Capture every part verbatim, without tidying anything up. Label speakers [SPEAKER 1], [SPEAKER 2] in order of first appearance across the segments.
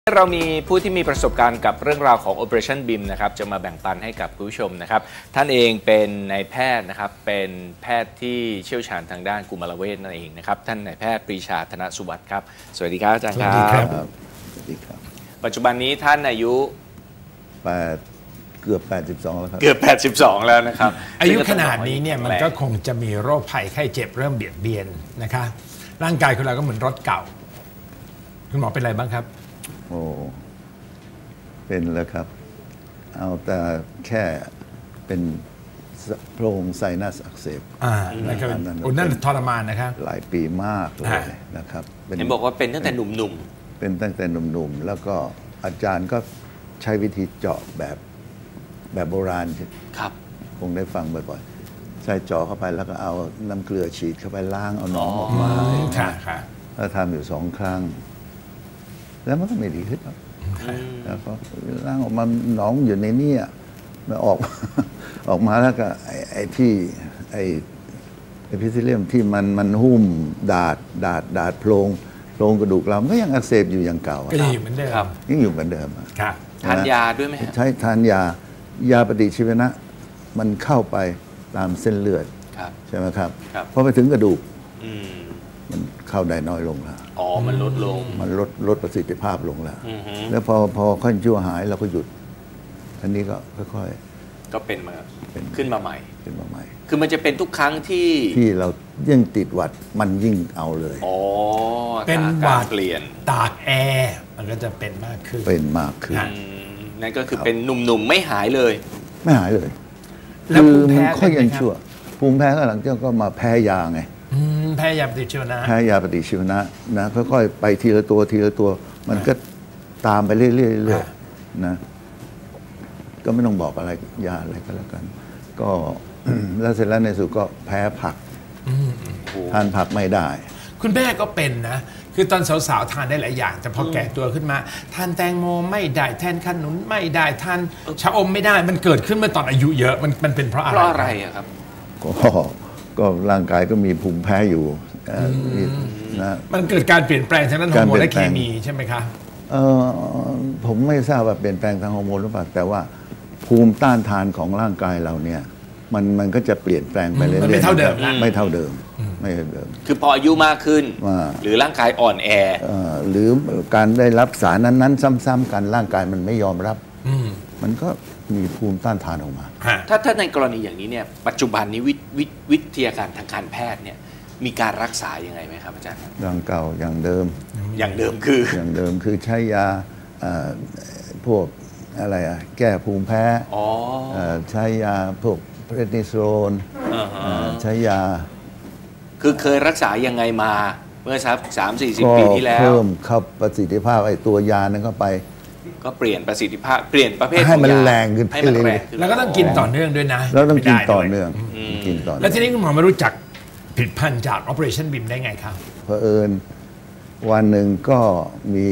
[SPEAKER 1] เรามีผู้ที่มีประสบการณ์กับเรื่องราวของ Operation บี เอ็ม นะครับจะมาแบ่งปันให้กับผู้ชมนะครับท่านเองเป็นนายแพทย์นะครับเป็นแพทย์ที่เชี่ยวชาญทางด้านกุมารเวชนั่นเองนะครับท่านนายแพทย์ปรีชาธนสุวัสดิ์ครับสวัสดีครับอาจารย์ครับสวัสดีครับ
[SPEAKER 2] สวัสดีครับ
[SPEAKER 1] ปัจจุบันนี้ท่านอายุ
[SPEAKER 2] แปดเกือบแปดสิบสองแล้วครับ
[SPEAKER 1] เกือบแปดสิบสองแล้วนะครับ
[SPEAKER 3] อายุขนาดนี้เนี่ยมันก็คงจะมีโรคภัยไข้เจ็บเริ่มเบียดเบียนนะคะร่างกายของเราก็เหมือนรถเก่าคุณหมอเป็นอะไรบ้างครับ
[SPEAKER 2] โอ้เป็นแล้วครับเอาแต่แค่เป็นโพรงไซนัสอักเสบ
[SPEAKER 3] อ่านะครับโอ้นั่นทรมานนะครับ
[SPEAKER 2] หลายปีมากเลยนะครับ
[SPEAKER 1] เห็นบอกว่าเป็นตั้งแต่หนุ่ม
[SPEAKER 2] ๆเป็นตั้งแต่หนุ่มๆแล้วก็อาจารย์ก็ใช้วิธีเจาะแบบแบบโบราณ
[SPEAKER 1] ครับ
[SPEAKER 2] คงได้ฟังบ่อยๆใส่เจาะเข้าไปแล้วก็เอาน้ำเกลือฉีดเข้าไปล้างเอาหนองออกมา
[SPEAKER 3] ค่ะค่ะ
[SPEAKER 2] แล้วทำอยู่สองครั้งแล้วมันก็ไม่ดีขึ้นหรอกแล้วก็ล้างออกมาหนองอยู่ในนี้มันออกออกมาแล้วก็ไอ้ไอ้ที่ไอ้ไอ้พิซิเลียมที่มันมันหุ้มดาดดาดดาดโพรงโพรงกระดูกเราก็ยังอักเสบอยู่อย่างเก่า
[SPEAKER 3] ก็ยังอยู่เหมือนเดิม
[SPEAKER 2] ยังอยู่เหมือนเดิม
[SPEAKER 3] ครับ
[SPEAKER 1] ทานยาด้วยไหม
[SPEAKER 2] ใช้ทานยายาปฏิชีวนะมันเข้าไปตามเส้นเลือดใช่ไหมครับพอไปถึงกระดูกมันเข้าได้น้อยลงแล้ว
[SPEAKER 1] อ๋อมันลดลง
[SPEAKER 2] มันลดลดประสิทธิภาพลงแล้วแล้วพอพอขั้นชั่วหายเราก็หยุดอันนี้ก็ค่อย
[SPEAKER 1] ๆก็เป็นมาขึ้นมาใหม่
[SPEAKER 2] ขึ้นมาใหม่
[SPEAKER 1] คือมันจะเป็นทุกครั้งที่
[SPEAKER 2] ที่เรายิ่งติดหวัดมันยิ่งเอาเลย
[SPEAKER 1] อ๋อ
[SPEAKER 3] เป็นหวัด
[SPEAKER 1] เปลี่ยน
[SPEAKER 3] ตากแอร์มันก็จะเป็นมากขึ้น
[SPEAKER 2] เป็นมากขึ้น
[SPEAKER 1] นั่นก็คือเป็นหนุ่มๆไม่หายเลย
[SPEAKER 2] ไม่หายเลยคือมันค่อยยังชั่วภูมิแพ้ก็หลังจากก็มาแพ้ยาไง
[SPEAKER 3] แพ้ยาปฏิชีวนะ
[SPEAKER 2] แพ้ยาปฏิชีวนะนะค่อยๆไปทีละตัวทีละตัวมันก็ตามไปเรื่อยๆนะก็ไม่ต้องบอกอะไรยาอะไรก็แล้วกันก็แล้วเสร็จแล้วในสุดก็แพ้ผักทานผักไม่ได้
[SPEAKER 3] คุณแม่ก็เป็นนะคือตอนสาวๆทานได้หลายอย่างแต่พอแก่ตัวขึ้นมาทานแตงโมไม่ได้แทนขนุนไม่ได้ทานชะอมไม่ได้มันเกิดขึ้นเมื่อตอนอายุเยอะมันมันเป็นเพราะอะไร
[SPEAKER 1] เพราะอะไรครับ
[SPEAKER 2] ก็ก็ร่างกายก็มีภูมิแพ้อยู่
[SPEAKER 3] นะมันเกิดการเปลี่ยนแปลงทางด้านฮอร์โมนและเคมีใช่ไหมคะ
[SPEAKER 2] เออผมไม่ทราบว่าเปลี่ยนแปลงทางฮอร์โมนหรือเปล่าแต่ว่าภูมิต้านทานของร่างกายเราเนี่ยมันมันก็จะเปลี่ยนแปลงไปเรื่อยๆ
[SPEAKER 3] ไม่เท่าเดิม
[SPEAKER 2] ไม่เท่าเดิมไม่เท่าเดิม
[SPEAKER 1] คือพออายุมากขึ้นหรือร่างกายอ่อนแอ
[SPEAKER 2] หรือการได้รับสารนั้นๆซ้ำๆกันร่างกายมันไม่ยอมรับมันก็มีภูมิต้านทานออกมา
[SPEAKER 1] ถ้าถ้าในกรณีอย่างนี้เนี่ยปัจจุบันนี้วิวิวิทยาการทางการแพทย์เนี่ยมีการรักษายังไงไหมครับอาจารย์
[SPEAKER 2] อย่างเก่าอย่างเดิม
[SPEAKER 1] อย่างเดิมคือ
[SPEAKER 2] อย่างเดิมคือใช้ยาพวกอะไรอะแก้ภูมิแพ้ใช้ยาพวกเพรนิโซนใช้ยา
[SPEAKER 1] คือเคยรักษายังไงมาเมื่อสักสามสี่สิบปีที่แล้ว
[SPEAKER 2] เพิ่มเข้าประสิทธิภาพไอ้ตัวยานั้นเข้าไป
[SPEAKER 1] ก็เปลี่ยนประสิทธิภาพเปลี่ยนประเภท
[SPEAKER 2] ให้มันแรงขึ้น
[SPEAKER 1] ให้มันแรง
[SPEAKER 3] แล้วก็ต้องกินต่อเนื่องด้วยนะ
[SPEAKER 2] แล้วต้องกินต่อเนื่องกินต่อ
[SPEAKER 3] แล้วทีนี้คุณหมอมารู้จักผลิตภัณฑ์จาก Operation บี เอ็ม ได้ไงครับ
[SPEAKER 2] เผอิญวันหนึ่งก็มี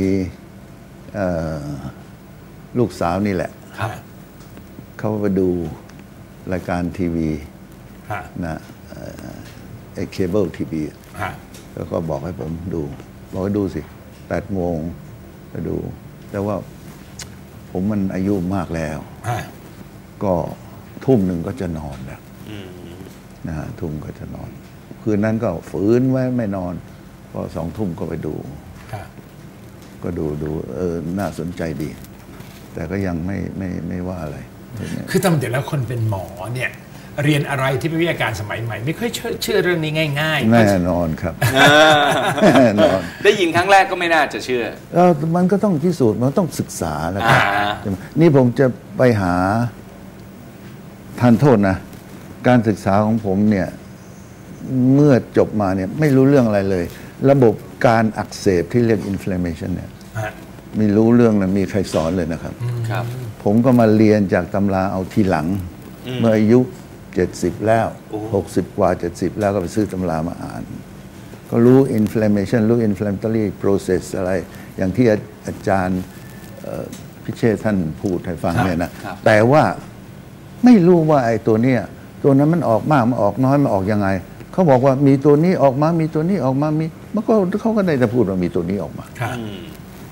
[SPEAKER 2] ลูกสาวนี่แหละเขาไปดูรายการทีวีนะไอ้เคเบิลทีวีแล้วก็บอกให้ผมดูบอกให้ดูสิแปดโมงไปดูแต่ว่าผมมันอายุมากแล้วก็ทุ่มหนึ่งก็จะนอนแล้วนะฮะทุ่มก็จะนอนคืนนั้นก็ฝืนไว้ไม่นอนพอสองทุ่มก็ไปดูก็ดูดูเออน่าสนใจดีแต่ก็ยังไม่ไม่ไม่ว่าอะไร
[SPEAKER 3] คือตามเดี๋ยวแล้วคนเป็นหมอเนี่ยเรียนอะไรที่เป็นวิทยาการสมัยใหม่ไม่ค่อยเชื่อเชื่อเรื่องนี้ง่าย
[SPEAKER 2] ๆแน่นอนครับแน่นอน
[SPEAKER 1] ได้ยินครั้งแรกก็ไม่น่าจะเชื่อ
[SPEAKER 2] เออมันก็ต้องพิสูจน์มันต้องศึกษาแล้วครับนี่ผมจะไปหาทานโทษนะการศึกษาของผมเนี่ยเมื่อจบมาเนี่ยไม่รู้เรื่องอะไรเลยระบบการอักเสบที่เรียก inflammation เนี่ยไม่รู้เรื่องนะมีใครสอนเลยนะครับ
[SPEAKER 1] ครับ
[SPEAKER 2] ผมก็มาเรียนจากตำราเอาทีหลังเมื่ออายุเจ็ดสิบแล้วหกสิบกว่าเจ็ดสิบแล้วก็ไปซื้อตำรามาอ่านก็รู้ inflammation รู้ inflammatory process อะไรอย่างที่อาจารย์พิเชษท่านพูดให้ฟังเนี่ยนะแต่ว่าไม่รู้ว่าไอ้ตัวเนี้ยตัวนั้นมันออกมากมันออกน้อยมันออกยังไงเขาบอกว่ามีตัวนี้ออกมามีตัวนี้ออกมามีมันก็เขาก็ได้แต่พูดว่ามีตัวนี้ออกมา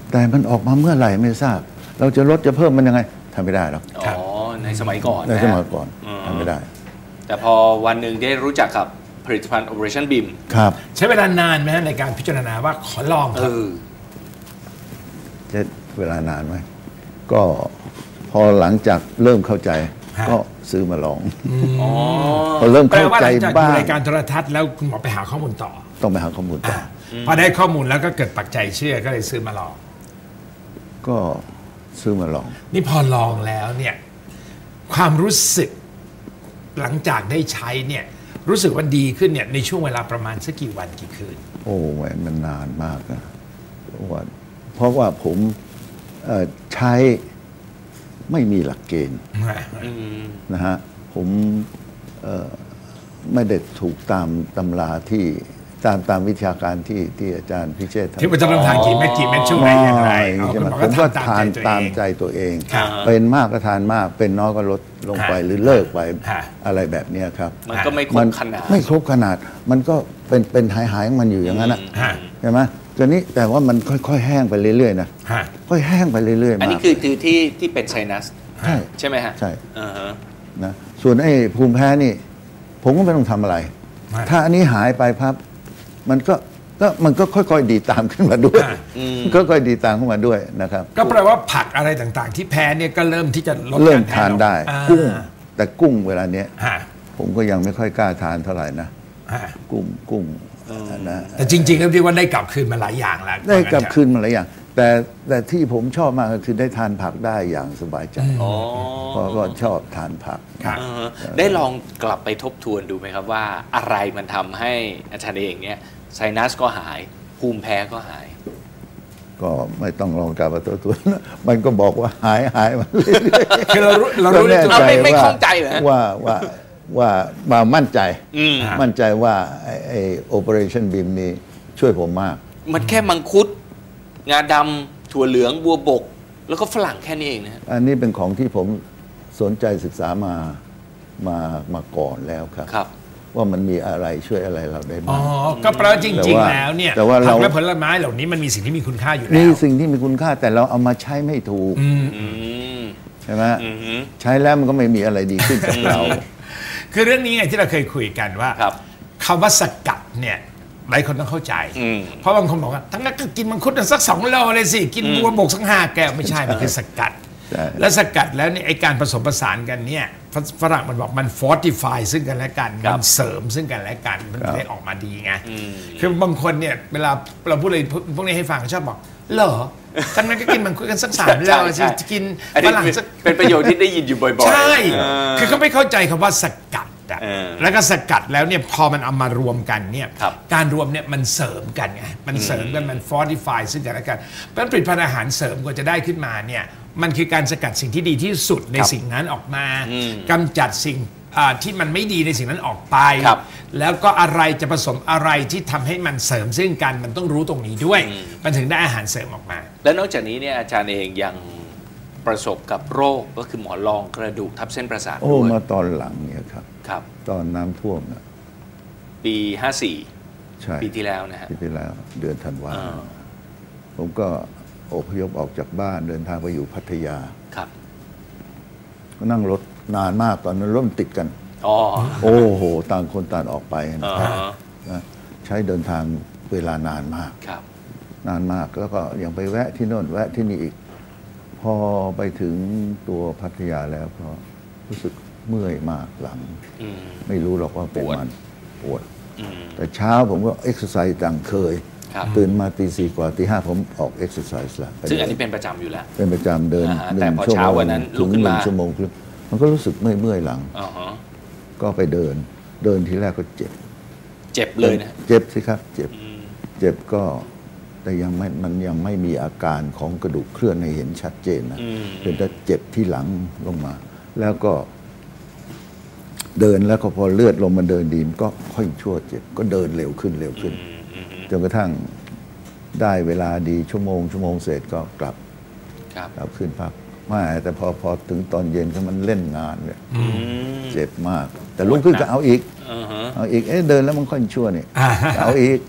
[SPEAKER 2] แต่มันออกมาเมื่อไหร่ไม่ทราบ เราจะลดจะเพิ่มมันยังไงทำไม่ได้หรอก
[SPEAKER 1] อ๋อในสมัยก่อน
[SPEAKER 2] ในสมัยก่อน
[SPEAKER 1] อืม
[SPEAKER 2] ทำไม่ได้
[SPEAKER 1] แต่พอวันหนึ่งได้รู้จักกับผลิตภัณฑ์ Operationบี เอ็ม
[SPEAKER 2] ครับ
[SPEAKER 3] ใช้เวลานานไหมฮะในการพิจารณาว่าขอลองค
[SPEAKER 1] เอ
[SPEAKER 3] รับ
[SPEAKER 1] อ
[SPEAKER 2] จะเวลานานไหมก็พอหลังจากเริ่มเข้าใจ
[SPEAKER 3] ฮะ
[SPEAKER 2] ก็ซื้อมาลอง
[SPEAKER 1] อ๋อ
[SPEAKER 2] พอเริ่ม
[SPEAKER 3] แปล
[SPEAKER 2] เข้า
[SPEAKER 3] ว่าห
[SPEAKER 2] ใจ
[SPEAKER 3] ลังจาก
[SPEAKER 2] บ้า
[SPEAKER 3] ดู
[SPEAKER 2] ง
[SPEAKER 3] รายการโทรทัศน์แล้วคุณหมอไปหาข้อมูลต่อ
[SPEAKER 2] ต้องไปหาข้อมูลต่อ
[SPEAKER 3] พอได้ข้อมูลแล้วก็เกิดปักใจเชื่อก็เลยซื้อมาลอง
[SPEAKER 2] ก็ซื้อมาลอง
[SPEAKER 3] นี่พอลองแล้วเนี่ยความรู้สึกหลังจากได้ใช้เนี่ยรู้สึกว่าดีขึ้นเนี่ยในช่วงเวลาประมาณสักกี่วันกี่คืน
[SPEAKER 2] โอ้แหวนมันนานมากนะเพราะว่าเพราะว่าผมเอ่อใช้ไม่มีหลักเกณฑ์
[SPEAKER 1] อืม
[SPEAKER 2] นะฮะผมเอ่อไม่ได้ถูกตามตำราที่ตามตามวิชาการที่ที่อาจารย์พิเชษฐ์
[SPEAKER 3] ที่ว่าจะต้องทานกี่เม็ดกี่เม็ดช่วงไหนอย่างไร
[SPEAKER 2] ไม่
[SPEAKER 3] เอา
[SPEAKER 2] ใช่
[SPEAKER 3] คุณ
[SPEAKER 2] ไหม
[SPEAKER 3] หมอ
[SPEAKER 2] ผ
[SPEAKER 3] ก็
[SPEAKER 2] มก็
[SPEAKER 3] ทำ
[SPEAKER 2] ทาน
[SPEAKER 3] ตา
[SPEAKER 2] ตาม ม
[SPEAKER 3] ใจ
[SPEAKER 2] ใจ
[SPEAKER 3] ตัวเอง
[SPEAKER 2] ตัวเอง
[SPEAKER 3] ครับ
[SPEAKER 2] เป็นมากก็ทานมาก เป็นน้อยก็ลดลงไป
[SPEAKER 3] ฮะ
[SPEAKER 2] หรือเลิกไป
[SPEAKER 3] ฮะ
[SPEAKER 2] อะไรแบบเนี้ยครับ
[SPEAKER 1] มันก็ไม่คร
[SPEAKER 2] มั
[SPEAKER 1] บขนาด
[SPEAKER 2] ไม่ครบขนาด มันก็เป็นเป็นหายหายๆของมันอยู่อย่างนั้นนะ
[SPEAKER 3] ฮะ
[SPEAKER 2] ใช่ไหมตอนนี้แต่ว่ามันค่อยๆแห้งไปเรื่อยๆนะ
[SPEAKER 3] ฮะ
[SPEAKER 2] ค่อยแห้งไปเรื่อยๆ
[SPEAKER 1] อัน
[SPEAKER 2] มา
[SPEAKER 1] นี้
[SPEAKER 2] ก
[SPEAKER 1] คือคือที่ที่เป็นไซนัส
[SPEAKER 2] ใช่
[SPEAKER 1] ใช่ไหมฮะ
[SPEAKER 2] ใช่
[SPEAKER 1] อ่าฮะ
[SPEAKER 2] นะส่วนไอ้ภูมิแพ้นี่ ผมก็ไม่ต้องทำอะไร
[SPEAKER 3] ฮะ
[SPEAKER 2] ถ้าอันนี้หายไปพับมันก็ก็มันก็ค่อยๆดีตามขึ้นมาด้วย
[SPEAKER 3] ฮะ
[SPEAKER 2] ก็ค่อยๆดีตามขึ้นมาด้วยนะครับ
[SPEAKER 3] ก็แปลว่าผักอะไรต่างๆ ที่แพ้เนี่ยก็เริ่มที่จะลด
[SPEAKER 2] เริ่ม
[SPEAKER 3] กแพ้
[SPEAKER 2] ทานได้
[SPEAKER 3] อ่า
[SPEAKER 2] กุ้ง แต่กุ้งเวลาเนี้ย
[SPEAKER 3] ฮะ
[SPEAKER 2] ผมก็ยังไม่ค่อยกล้าทานเท่าไหร่นะ
[SPEAKER 3] ฮะ
[SPEAKER 2] กุ้งกุ้งนะ
[SPEAKER 3] แต่จริงๆแล้วที่ว่าได้กลับคืนมาหลายอย่างแล้ว
[SPEAKER 2] ได้กลับคืนมาหลายอย่าง แต่แต่ที่ผมชอบมากก็คือได้ทานผักได้อย่างสบายใจ
[SPEAKER 1] อ๋อ
[SPEAKER 2] เพราะก็ชอบทานผัก
[SPEAKER 3] ครับ
[SPEAKER 1] อ่าฮะได้ลองกลับไปทบทวนดูไหมครับว่าอะไรมันทำให้อาจารย์เองเนี่ยไซนัสก็หาย ภูมิแพ้ก็หาย
[SPEAKER 2] ก็ไม่ต้องลองกลับมาตัวตัวนะมันก็บอกว่าหายหายมาเรื่อยๆ
[SPEAKER 3] คือเรารู้เรา
[SPEAKER 2] ก็
[SPEAKER 3] รู้ใน
[SPEAKER 2] แน่
[SPEAKER 3] ตัว
[SPEAKER 2] ใจ
[SPEAKER 1] ไม่ไม่
[SPEAKER 2] ว่า
[SPEAKER 1] ข้องใจเหรอฮะ
[SPEAKER 2] ว่าว่าว่ามามั่นใจ
[SPEAKER 1] อืม
[SPEAKER 2] มั่นใจว่าไอ้ไอ้ Operationบีม นี้ช่วยผมมาก
[SPEAKER 1] มันแค่มังคุด งาดำถั่วเหลืองบัวบก แล้วก็ฝรั่งแค่นี้เองนะฮะ
[SPEAKER 2] อันนี้เป็นของที่ผมสนใจศึกษามามามาก่อนแล้วครับ
[SPEAKER 1] ครับ
[SPEAKER 2] ว่ามันมีอะไรช่วยอะไรเราได้
[SPEAKER 3] อ๋
[SPEAKER 2] บ้า
[SPEAKER 3] อ
[SPEAKER 2] ง
[SPEAKER 3] ก็แปลว่าจ
[SPEAKER 2] แต่
[SPEAKER 3] ริง
[SPEAKER 2] ว่า
[SPEAKER 3] ๆแล้วเนี่ย
[SPEAKER 2] แต่ว่าเรา
[SPEAKER 3] ผักและผลไม้เหล่านี้มันมีสิ่งที่มีคุณค่าอยู่แล้
[SPEAKER 2] นี่
[SPEAKER 3] ว
[SPEAKER 2] สิ่งที่มีคุณค่าแต่เราเอามาใช้ไม่ถูก
[SPEAKER 3] อืม
[SPEAKER 1] อืม
[SPEAKER 2] ใช่ไหม
[SPEAKER 1] อือฮึ
[SPEAKER 2] ใช้แล้วมันก็ไม่มีอะไรดีขึ้นกับเรา
[SPEAKER 3] คือเรื่องนี้ไงที่เราเคยคุยกันว่า
[SPEAKER 1] ครับ
[SPEAKER 3] คำว่าสกัดเนี่ยหลายคนต้องเข้าใจ
[SPEAKER 1] อืม
[SPEAKER 3] เพราะบางคนบอกว่าทั้งนั้นก็กินมังคุดสักสองโลเลยสิ กินบัวบกสักห้าแก้วไม่ใช่ มันคือสกัด
[SPEAKER 2] ใช่
[SPEAKER 3] แล้วสกัดแล้วเนี่ยไอการผสมผสานกันเนี่ยฝฝรั่งมันบอกมัน fortify ซึ่งกันและกัน
[SPEAKER 1] ครับ
[SPEAKER 3] มันเสริมซึ่งกันและกันมัน
[SPEAKER 2] ครับ
[SPEAKER 3] ได้ออกมาดีไง
[SPEAKER 1] อืม
[SPEAKER 3] คือบางคนเนี่ยเวลาเราพูดอะไรพวกนี้ให้ฟังชอบบอกเหรอทั้งนั้นก็กินมังคุดกันสักสามโลสิจะกิน
[SPEAKER 1] อัน
[SPEAKER 3] ฝ
[SPEAKER 1] นี้
[SPEAKER 3] รั่งสัก
[SPEAKER 1] เป็นประโยชน์ที่ได้ยินอยู่บ่อยๆ
[SPEAKER 3] ใช่
[SPEAKER 1] เออ
[SPEAKER 3] คือเขาไม่เข้าใจคำว่าสกัดอะ
[SPEAKER 1] เออ
[SPEAKER 3] แล้วก็สกัดแล้วเนี่ยพอมันเอามารวมกันเนี่ย
[SPEAKER 1] ครับ
[SPEAKER 3] การรวมเนี่ยมันเสริมกันไง มันเสริมกัน มันฟอร์ติฟายซึ่งกันและกันเพราะฉะนั้นผลิตภัณฑ์อาหารเสริมกว่าจะได้ขึ้นมาเนี่ย มันคือการสกัดสิ่งที่ดีที่สุดใน
[SPEAKER 1] ครับ
[SPEAKER 3] สิ่งนั้นออกมา
[SPEAKER 1] อืม
[SPEAKER 3] กำจัดสิ่งอ่าที่มันไม่ดีในสิ่งนั้นออกไป
[SPEAKER 1] ครับ
[SPEAKER 3] แล้วก็อะไรจะผสมอะไรที่ทำให้มันเสริมซึ่งกัน มันต้องรู้ตรงนี้ด้วย มันถึงได้อาหารเสริมออกมา
[SPEAKER 1] แล้วนอกจากนี้เนี่ยอาจารย์เองยังประสบกับโรคก็คือหมอนรองกระดูกทับเส้นประสาท
[SPEAKER 2] โอ้
[SPEAKER 1] ด้วย
[SPEAKER 2] มาตอนหลังเนี่ยครับ
[SPEAKER 1] ครับ
[SPEAKER 2] ตอนน้ำท่วมนะ
[SPEAKER 1] ปีห้าสี่
[SPEAKER 2] ใช่
[SPEAKER 1] ปีที่แล้วนะฮะ
[SPEAKER 2] ปีที่แล้วเดือนธันวา
[SPEAKER 1] อ่า
[SPEAKER 2] ผมก็อพยพออกจากบ้านเดินทางไปอยู่พัทยา
[SPEAKER 1] ครับ
[SPEAKER 2] ก็นั่งรถนานมากตอนนั้นรถมันติดกัน
[SPEAKER 1] อ๋อ
[SPEAKER 2] โอ้โห ต่างคนต่างออกไปนะ
[SPEAKER 1] อ่า
[SPEAKER 2] ครับ
[SPEAKER 1] ฮะ
[SPEAKER 2] นะใช้เดินทางเวลานานมาก
[SPEAKER 1] ครับ
[SPEAKER 2] นานมากแล้วก็ยังไปแวะที่โน่นแวะที่นี่อีก พอไปถึงตัวพัทยาแล้วก็รู้สึกเมื่อยมากหลัง
[SPEAKER 1] อืม
[SPEAKER 2] ไม่รู้หรอกว่าเป็น
[SPEAKER 1] ปวด
[SPEAKER 2] มันปวด
[SPEAKER 1] อืม
[SPEAKER 2] แต่เช้าผมก็เอ็กซ์ไซส์ดังเคย
[SPEAKER 1] ครับ
[SPEAKER 2] ตื่นมาตีสี่กว่าตีห้าผมออกเอ็กซ์ไซส์แล้วไป
[SPEAKER 1] ซึ่งอัน
[SPEAKER 2] เดิ
[SPEAKER 1] นี้เป็นประจำอยู่แล้ว
[SPEAKER 2] เป็นประจำเดิน
[SPEAKER 1] อ่าฮะ
[SPEAKER 2] หนึ่
[SPEAKER 1] แต่
[SPEAKER 2] ง
[SPEAKER 1] พอ
[SPEAKER 2] ชั่ว
[SPEAKER 1] เช้า
[SPEAKER 2] โมง
[SPEAKER 1] วันนั้นลุ
[SPEAKER 2] ถึ
[SPEAKER 1] ก
[SPEAKER 2] ง
[SPEAKER 1] ขึ้น
[SPEAKER 2] หนึ่
[SPEAKER 1] มา
[SPEAKER 2] งชั่วโมงครึ่งมันก็รู้สึกเมื่อยเมื่อยๆหลัง
[SPEAKER 1] อ๋อฮะ
[SPEAKER 2] ก็ไปเดิน เดินทีแรกก็เจ็บ
[SPEAKER 1] เจ็บเลยนะ
[SPEAKER 2] เจ็บสิครับ เจ็บ
[SPEAKER 1] อืม
[SPEAKER 2] เจ็บก็แต่ยังไม่มันยังไม่มีอาการของกระดูกเคลื่อนให้เห็นชัดเจนนะ
[SPEAKER 1] อืม
[SPEAKER 2] เป็นแต่เจ็บที่หลังลงมา แล้วก็ เดินแล้วก็พอเลือดลงมาเดินดีมนก็ค่อยชั่วเจ็บ ก็เดินเร็วขึ้นเร็วขึ้น
[SPEAKER 1] อืมอืมอืม
[SPEAKER 2] จนกระทั่งได้เวลาดีชั่วโมง ชั่วโมงเสร็จก็กลับ
[SPEAKER 1] ครับ
[SPEAKER 2] กลับขึ้นพักไม่แต่พอพอถึงตอนเย็นก็มันเล่นงานเลย
[SPEAKER 1] อืม
[SPEAKER 2] เจ็บมาก แต่ลุกขึ้นก็เอาอีก
[SPEAKER 1] อ่าฮะ
[SPEAKER 2] เอาอีกเอ๊ะเดินแล้วมันค่อยชั่วนี่
[SPEAKER 3] อ่า
[SPEAKER 2] เอาอีก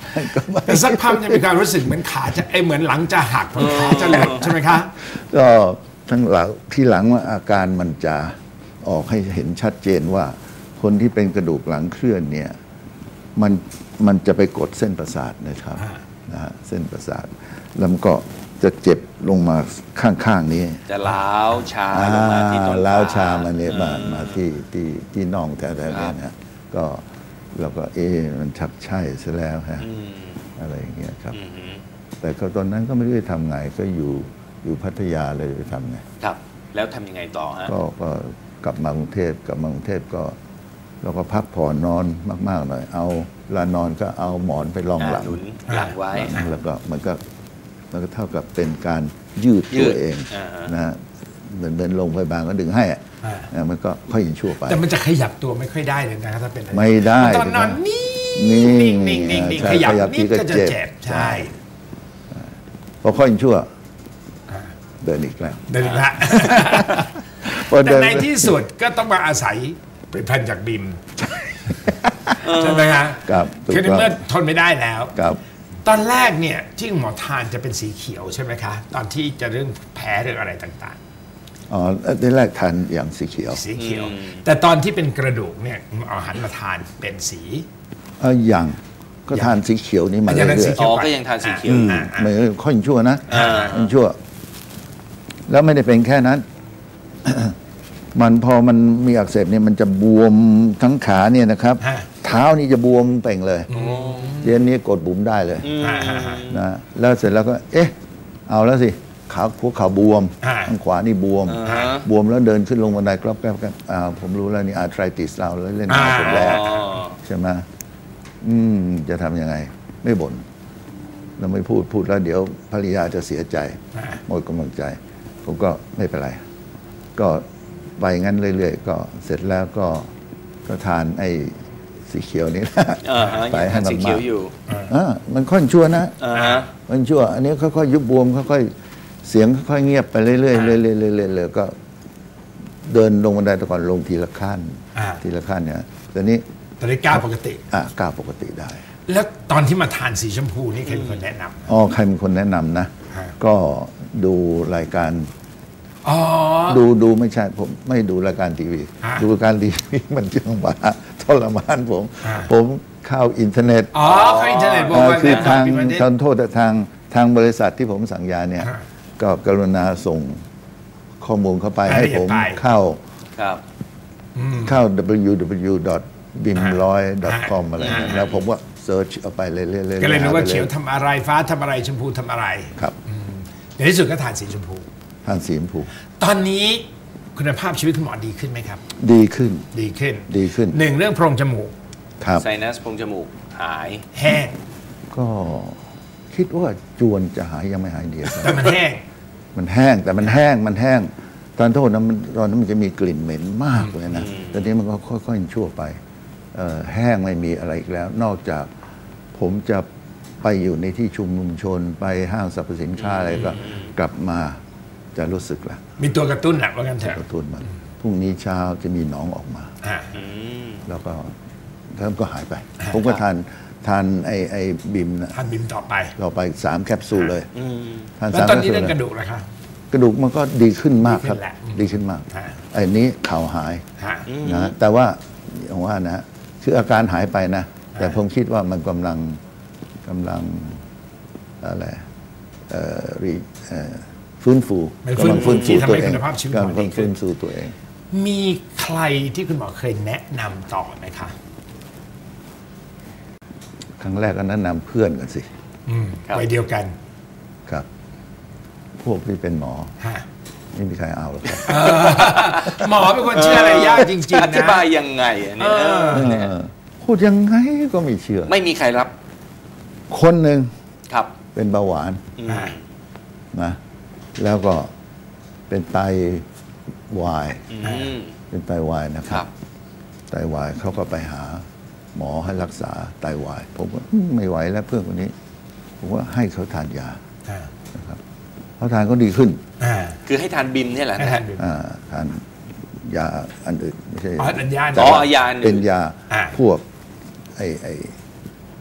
[SPEAKER 3] แต่สักพักจะมีความรู้สึกเหมือนขาจะไอเหมือนหลังจะหักเหมือนขาจะหลุดใช่ไหมคะ
[SPEAKER 2] ก็ทั้งหลังที่หลังว่าอาการมันจะออกให้เห็นชัดเจนว่าคนที่เป็นกระดูกหลังเคลื่อนเนี่ยมันมันจะไปกดเส้นประสาทนะครับนะฮะเส้นประสาทแล้วมันก็จะเจ็บลงมาข้างๆนี้
[SPEAKER 1] จะล้าวชาลงมาที่ต้นขา
[SPEAKER 2] ล้าวชามาเนี่ยมามาที่ที่ที่น่องแถวๆนี้นะก็เราก็เอ๊ะมันชักใช่ซะแล้วฮะอะไรอย่างเงี้ยครับแต่ก็ตอนนั้นก็ไม่รู้จะทำไงก็อยู่อยู่พัทยาเลยไปทำไง
[SPEAKER 1] ครับ แล้วทำยังไงต่อฮะ
[SPEAKER 2] ก็ก็กลับมากรุงเทพกลับมากรุงเทพก็เราก็พักผ่อนนอนมากๆหน่อยเอาเวลานอนก็เอาหมอนไปรองหลัง
[SPEAKER 1] หนุนหลังไว้
[SPEAKER 2] แล้วก็มันก็มันก็เท่ากับเป็นการยืด
[SPEAKER 1] ยื
[SPEAKER 2] ตัว
[SPEAKER 1] ด
[SPEAKER 2] เอง
[SPEAKER 1] อ่าฮะ
[SPEAKER 2] นะฮะเหมือนเป็นโรงพยาบาลก็ดึงให้อะ
[SPEAKER 3] อ่า
[SPEAKER 2] นะมันก็ค่อยยินชั่วไป
[SPEAKER 3] แต่มันจะขยับตัวไม่ค่อยได้เลยนะครับถ้าเป็นอะร
[SPEAKER 2] ไม่ได้
[SPEAKER 3] ตอนนอนนิ่
[SPEAKER 2] นิ่
[SPEAKER 3] ง
[SPEAKER 2] ง
[SPEAKER 3] นิ่งนิ่งนิ่งนิ่ง
[SPEAKER 2] ใช่
[SPEAKER 3] ขยับ
[SPEAKER 2] ขยับ
[SPEAKER 3] นิด
[SPEAKER 2] ทีก็
[SPEAKER 3] ก็จะ
[SPEAKER 2] เจ็บ
[SPEAKER 3] เจ็บใช่
[SPEAKER 2] พอค่อยยินชั่ว
[SPEAKER 3] อ่า
[SPEAKER 2] เดินอีกแล้ว
[SPEAKER 3] เดินละ
[SPEAKER 2] พอ
[SPEAKER 3] แต่
[SPEAKER 2] เดิน
[SPEAKER 3] ในที่สุดก็ต้องมาอาศัยผลิตภัณฑ์จากบิมใช่ไหมฮะ
[SPEAKER 2] ครับถูก
[SPEAKER 3] คือใน
[SPEAKER 2] ต้อง
[SPEAKER 3] เมื่อทนไม่ได้แล้ว
[SPEAKER 2] ครับ
[SPEAKER 3] ตอนแรกเนี่ยที่หมอทานจะเป็นสีเขียวใช่ไหมคะ ตอนที่จะเรื่องแพ้เรื่องอะไรต่าง
[SPEAKER 2] อ๋อที่แรกทานอย่างสีเขียว
[SPEAKER 3] ๆ สีเขียว แต่ตอนที่เป็นกระดูกเนี่ยเอาหันมาทานเป็นสี
[SPEAKER 2] เอออย่างก็ทานสีเขียวนี้มา
[SPEAKER 3] อา
[SPEAKER 2] เรื่
[SPEAKER 3] จารย์สี
[SPEAKER 2] อย
[SPEAKER 3] เขี
[SPEAKER 1] อ๋
[SPEAKER 3] ยว
[SPEAKER 1] อก็ยังทานสีเขียว
[SPEAKER 2] ๆ
[SPEAKER 1] อยู่
[SPEAKER 2] ไม่ค่อยยินชั่วนะ
[SPEAKER 1] อ่า
[SPEAKER 2] ยินชั่ว แล้วไม่ได้เป็นแค่นั้น มันพอมันมีอักเสบเนี่ยมันจะบวมทั้งขาเนี่ยนะครับ
[SPEAKER 3] ฮะ
[SPEAKER 2] เท้านี่จะบวมเป่งเลยเย็นนี้กดบุ๋มได้เลย
[SPEAKER 3] อ่าฮะฮะ
[SPEAKER 2] นะแล้วเสร็จแล้วก็ เอ๊ะ เอาแล้วสิขาหัวเข่าบวม
[SPEAKER 3] อ่า
[SPEAKER 2] ข้างขวานี่บวม
[SPEAKER 1] อ่าฮะ
[SPEAKER 2] บวมแล้วเดินขึ้นลงบันไดกรอบแกรบกันอ่าผมรู้แล้วนี่อาร์ไทรติสเราแล้วเล่นงานผมแล้ว
[SPEAKER 1] อ๋อ
[SPEAKER 2] ใช่ไหมอืม จะทำยังไง ไม่บ่นเราไม่พูดพูดแล้วเดี๋ยวภรรยาจะเสียใจ
[SPEAKER 3] อ่า
[SPEAKER 2] หมดกำลังใจ ผมก็ไม่เป็นไร ก็ไปงั้นเรื่อยๆ ก็เสร็จแล้วก็ก็ทานไอ้สีเขียวนี่นะ
[SPEAKER 1] อ่าฮะ
[SPEAKER 2] ไป
[SPEAKER 1] ยัง
[SPEAKER 2] ให้
[SPEAKER 1] ทาน
[SPEAKER 2] มัน
[SPEAKER 1] สี
[SPEAKER 2] มา
[SPEAKER 1] เขียวอยู่
[SPEAKER 2] อ่ามันค่อยชั่วนะ
[SPEAKER 1] อ่าฮะ
[SPEAKER 2] มันชั่ว อันนี้ค่อยๆยุบบวมค่อยๆเสียงค่อยๆเงียบไปเรื่อยๆเรื่อยๆเรื่อยๆเรื่อยๆก็เดินลงบันไดแต่ก่อนลงทีละขั้น
[SPEAKER 3] อ่า
[SPEAKER 2] ทีละขั้นเนี่ยตอนนี้
[SPEAKER 3] ตอนนี้ก้าวปกติ
[SPEAKER 2] อ่ะก้าวปกติได้
[SPEAKER 3] แล้วตอนที่มาทานสีชมพูนี่ใครเป็นคนแนะนำ
[SPEAKER 2] อ๋อใครเป็นคนแนะนำนะ
[SPEAKER 3] ฮะ
[SPEAKER 2] ก็ดูรายการ
[SPEAKER 3] อ๋อ
[SPEAKER 2] ดูดูไม่ใช่ผมไม่ดูรายการทีวี
[SPEAKER 3] ฮะ
[SPEAKER 2] ดูรายการทีวีมันจังหวะทรมานผม
[SPEAKER 3] ฮะ
[SPEAKER 2] ผมเข้าอินเทอร์เน็ต
[SPEAKER 3] อ๋อเขาอินเทอร์เน็ตบอก
[SPEAKER 2] เอ่อ
[SPEAKER 3] ว่า
[SPEAKER 2] คือทาง
[SPEAKER 3] แนะนำ Bim
[SPEAKER 2] ทางโทษแต่ทางทางบริษัทที่ผมสั่งยาเนี่ย
[SPEAKER 3] ฮะ
[SPEAKER 2] ก็กรุณาส่งข้อมูลเข้าไป
[SPEAKER 3] ราย
[SPEAKER 2] ให้
[SPEAKER 3] ละเอียด
[SPEAKER 2] ผม
[SPEAKER 3] ไป
[SPEAKER 2] เข้า
[SPEAKER 1] ครับ
[SPEAKER 2] เข้า ดับเบิลยู ดับเบิลยู ดอท บิม ร้อย ดอท คอม อะไร
[SPEAKER 3] ฮะ
[SPEAKER 2] นั่นแล้วผมก็เซิร์ชเอาไปเรื่อยๆเรื่อยๆ
[SPEAKER 3] ก็เลยรู้ว่า
[SPEAKER 2] หไป
[SPEAKER 3] เขียวทำอะไรฟ้าทำอะไรชมพูทำอะไร
[SPEAKER 2] ครับ
[SPEAKER 3] ในที่สุดก็ทานสีชมพู
[SPEAKER 2] ทานสีชมพู
[SPEAKER 3] ตอนนี้คุณภาพชีวิตคุณหมอดีขึ้นไหมครับ
[SPEAKER 2] ดีขึ้น
[SPEAKER 3] ดีขึ้น
[SPEAKER 2] ดีขึ้น
[SPEAKER 3] หนึ่งเรื่องโพรงจมูก
[SPEAKER 2] ครับ
[SPEAKER 1] ไซนัสโพรงจมูกหาย
[SPEAKER 3] แห้ง
[SPEAKER 2] ก็คิดว่าจวนจะหายยังไม่หายเดียว
[SPEAKER 3] แต่มันแห้ง
[SPEAKER 2] มันแห้งแต่มันแห้งมันแห้ง ตอนโทษนะมันตอนนั้นมันจะมีกลิ่นเหม็นมากเลยนะตอนนี้มันก็ค่อยๆชั่วไปเอ่อแห้งไม่มีอะไรอีกแล้ว นอกจากผมจะไปอยู่ในที่ชุมนุมชน ไปห้างสรรพสินค้าอะไรก็กลับมาจะรู้สึกละ
[SPEAKER 3] มีตัวกระตุ้นแหละว่ากันเถ
[SPEAKER 2] ก
[SPEAKER 3] อะ
[SPEAKER 2] ระตุ้นมันพรุ่งนี้เช้าจะมีหนองออกมา
[SPEAKER 3] อ่า
[SPEAKER 1] อืม
[SPEAKER 2] แล้วก็แล้วก็หายไป ผมก็ทานทานไอไอบิมนะ
[SPEAKER 3] ทานบิมต่อไป
[SPEAKER 2] เราไปสามแคปซูลเลย
[SPEAKER 1] อืม
[SPEAKER 2] ทาน
[SPEAKER 3] แล้ว
[SPEAKER 2] สาม
[SPEAKER 3] ตอน
[SPEAKER 2] แคป
[SPEAKER 3] นี้
[SPEAKER 2] ซูล
[SPEAKER 3] เรื่อง
[SPEAKER 2] เลย
[SPEAKER 3] กระดูกนะคะ
[SPEAKER 2] กระดูกมันก็ดีขึ้นมากครับ
[SPEAKER 3] ดีขึ้นแหละ
[SPEAKER 2] ดีขึ้นมาก
[SPEAKER 3] ฮะ
[SPEAKER 2] ไอ้นี้เข่าหาย
[SPEAKER 3] ฮะ
[SPEAKER 2] นะแต่ว่าอย่างว่านะคืออาการหายไปนะ แต่ผมคิดว่ามันกำลังกำลังอะไรเอ่อรีเอ่อฟื้นฟู
[SPEAKER 3] มันฟื้น
[SPEAKER 2] กำลังฟื้นฟู
[SPEAKER 3] ที่ทำ
[SPEAKER 2] ตัว
[SPEAKER 3] ให้
[SPEAKER 2] เอง
[SPEAKER 3] คุณภาพชีวิต
[SPEAKER 2] กำลัง
[SPEAKER 3] ของเราดีขึ้
[SPEAKER 2] ฟื้
[SPEAKER 3] น
[SPEAKER 2] นฟูตัวเอง
[SPEAKER 3] มีใครที่คุณหมอเคยแนะนำต่อไหมคะ
[SPEAKER 2] ครั้งแรกก็แนะนำเพื่อนกันสิ
[SPEAKER 3] อืม
[SPEAKER 1] ครับ
[SPEAKER 3] วัยเดียวกัน
[SPEAKER 2] ครับ พวกที่เป็นหมอ
[SPEAKER 3] ฮะ
[SPEAKER 2] ไม่มีใครเอาหรอกครับ
[SPEAKER 3] หมอเป็นคนเชื่ออะไรยากจริงๆ
[SPEAKER 1] อ
[SPEAKER 3] นะ
[SPEAKER 1] ธิบายยังไงอันนี้
[SPEAKER 3] เออ
[SPEAKER 1] เออเนี่ย
[SPEAKER 2] เออพูดยังไงก็ไม่เชื่อ
[SPEAKER 1] ไม่มีใครรับ
[SPEAKER 2] คนหนึ่ง
[SPEAKER 1] ครับ
[SPEAKER 2] เป็นเบาหวาน
[SPEAKER 1] อืม
[SPEAKER 3] อ่า
[SPEAKER 2] นะแล้วก็เป็นไตวาย
[SPEAKER 1] อืม
[SPEAKER 2] เป็นไตวายนะค
[SPEAKER 1] ค
[SPEAKER 2] รั
[SPEAKER 1] รับ บ
[SPEAKER 2] ไตวายเขาก็ไปหาหมอให้รักษาไตวาย ผมก็อืมไม่ไหวแล้วเพื่อนคนนี้ ผมว่าให้เขาทานยา
[SPEAKER 3] อ่า
[SPEAKER 2] นะครับเขาทานก็ดีขึ้น
[SPEAKER 3] อ่า
[SPEAKER 1] คือให้ทานบิมเนี่ยแหละ
[SPEAKER 3] ให้
[SPEAKER 1] นะ
[SPEAKER 3] ทานบิม
[SPEAKER 2] อ่าทานยาอันอื่นไม่ใช่
[SPEAKER 3] อ๋ออันยา
[SPEAKER 2] แต่
[SPEAKER 1] อ๋อ
[SPEAKER 2] ว่
[SPEAKER 1] ยาอันอื่น
[SPEAKER 2] เป็นยา
[SPEAKER 3] อ่า
[SPEAKER 2] พวกไอไอ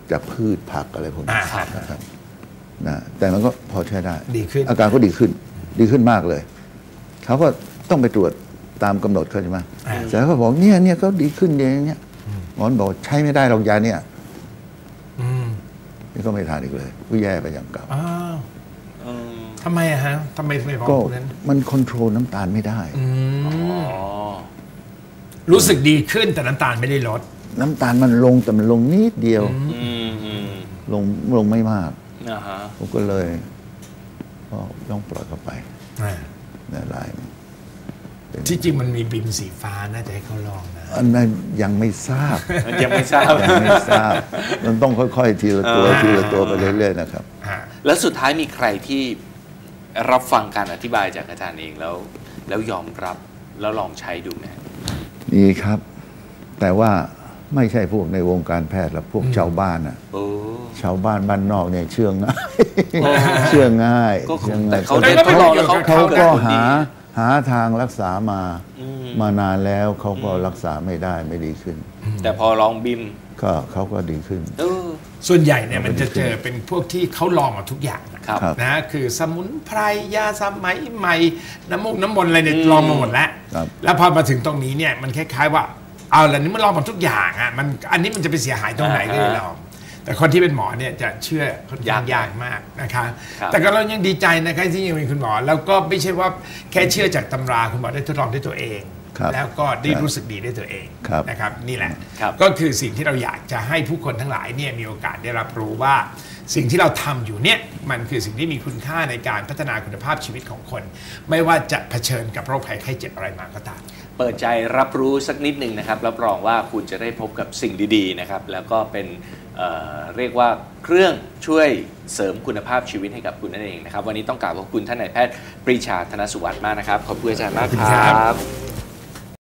[SPEAKER 2] จากพืชผักอะไรพวกนี้
[SPEAKER 3] อ่า
[SPEAKER 2] นะครับนะแต่มันก็พอใช้ได้
[SPEAKER 3] ดีขึ้น
[SPEAKER 2] อาการก็ดีขึ้นดีขึ้นมากเลยเขาก็ต้องไปตรวจตามกำหนดเขาใช่ไหมแต่เขาบอกเนี่ยเนี่ยเขาดีขึ้นอย่างเงี้ยหมอบอกใช้ไม่ได้หรอกยาเนี่ย
[SPEAKER 3] อืม
[SPEAKER 2] นี่ก็ไม่ทานอีกเลยก็แย่ไปอย่างเก่า
[SPEAKER 3] อ้าว
[SPEAKER 1] เออ
[SPEAKER 3] ทำไมอะฮะทำไมถึงไม่บอก
[SPEAKER 2] ก็
[SPEAKER 3] นั้น
[SPEAKER 2] มันคอนโทรลน้ำตาลไม่ได้
[SPEAKER 3] อืม
[SPEAKER 1] อ๋อ
[SPEAKER 3] รู้สึกดีขึ้นแต่น้ำตาลไม่ได้ลด
[SPEAKER 2] น้ำตาลมันลงแต่มันลงนิดเดียว
[SPEAKER 1] อืมอืม
[SPEAKER 2] ลงลงไม่มาก
[SPEAKER 1] อ่าฮะ
[SPEAKER 2] ผมก็เลยก็ต้องปล่อยเข้าไป
[SPEAKER 3] อ่า
[SPEAKER 2] ในลาย
[SPEAKER 3] ที่จริงมันมีบิมสีฟ้าน่าจะให้เขาลองนะ
[SPEAKER 2] อันนั้นยังไม่ทราบ
[SPEAKER 1] ยังไม่ทราบ
[SPEAKER 2] ยังไม่ทราบ มันต้องค่อยๆ ทีละตัว
[SPEAKER 1] อ่า
[SPEAKER 2] ทีละตัวไปเรื่อยๆนะครับ
[SPEAKER 3] ฮะ
[SPEAKER 1] แล้วสุดท้ายมีใครที่รับฟังการอธิบายจากอาจารย์เองแล้ว แล้วยอมรับแล้วลองใช้ดูไหม
[SPEAKER 2] นี่ครับ แต่ว่าไม่ใช่พวกในวงการแพทย์หรอกพวกชาวบ้านอ่ะ
[SPEAKER 1] โอ้
[SPEAKER 2] ชาวบ้านบ้านนอกเนี่ยเชื่อง่าย
[SPEAKER 1] โอ้
[SPEAKER 2] เชื่อง่าย
[SPEAKER 1] ก็
[SPEAKER 2] เชื่อ
[SPEAKER 1] แต่
[SPEAKER 2] ง่าย
[SPEAKER 1] เขาได้ทดลองแล้วเขา
[SPEAKER 2] เขา
[SPEAKER 1] เกิด
[SPEAKER 2] ก็
[SPEAKER 1] ผลดี
[SPEAKER 2] หาหาทางรักษามา
[SPEAKER 1] อืม
[SPEAKER 2] มานานแล้วเขาก็รักษาไม่ได้ไม่ดีขึ้น
[SPEAKER 1] แต่พอลองบิม
[SPEAKER 2] ก็เขาก็ดีขึ้น
[SPEAKER 1] เออ
[SPEAKER 3] ส่วนใหญ่เนี่ยมันจะเจอเป็นพวกที่เขาลองมาทุกอย่างนะครับ
[SPEAKER 2] ครับ
[SPEAKER 3] นะคือสมุนไพรยาสมัยใหม่น้ำมูกน้ำมนต์อะไรเนี่ยลองมาหมดแล้ว
[SPEAKER 2] ครับ
[SPEAKER 3] แล้วพอมาถึงตรงนี้เนี่ยมันคล้ายๆว่าเอาละนี่มันลองมาทุกอย่างอ่ะมันอันนี้มันจะไปเสียหายตรงไหนก็เลยลอง แต่คนที่เป็นหมอเนี่ยจะเชื่อค่อนข้างยากมากนะคะ
[SPEAKER 1] ครับ
[SPEAKER 3] แต่ก็เรายังดีใจนะคะที่ยังมีคุณหมอ แล้วก็ไม่ใช่ว่าแค่เชื่อจากตำราคุณหมอได้ทดลองด้วยตัวเอง
[SPEAKER 2] ครับ
[SPEAKER 3] แล้วก็ได้รู้สึกดีด้วยตัวเอง
[SPEAKER 2] ครับ
[SPEAKER 3] นะครับนี่แหละ
[SPEAKER 1] ครับ
[SPEAKER 3] ก็คือสิ่งที่เราอยากจะให้ผู้คนทั้งหลายเนี่ยมีโอกาสได้รับรู้ว่าสิ่งที่เราทำอยู่เนี่ยมันคือสิ่งที่มีคุณค่าในการพัฒนาคุณภาพชีวิตของคน ไม่ว่าจะเผชิญกับโรคภัยไข้เจ็บอะไรมาก็ตาม
[SPEAKER 1] เปิดใจรับรู้สักนิดหนึ่งนะครับรับรองว่าคุณจะได้พบกับสิ่งดีๆนะครับแล้วก็เป็นเอ่อเรียกว่าเครื่องช่วยเสริมคุณภาพชีวิตให้กับคุณนั่นเองนะครับวันนี้ต้องกราบขอบคุณท่านนายแพทย์ปรีชาธนสุวรรณมากนะครับขอบคุณอาจารย์มากค
[SPEAKER 3] ขอบคุณครั
[SPEAKER 1] รับ บ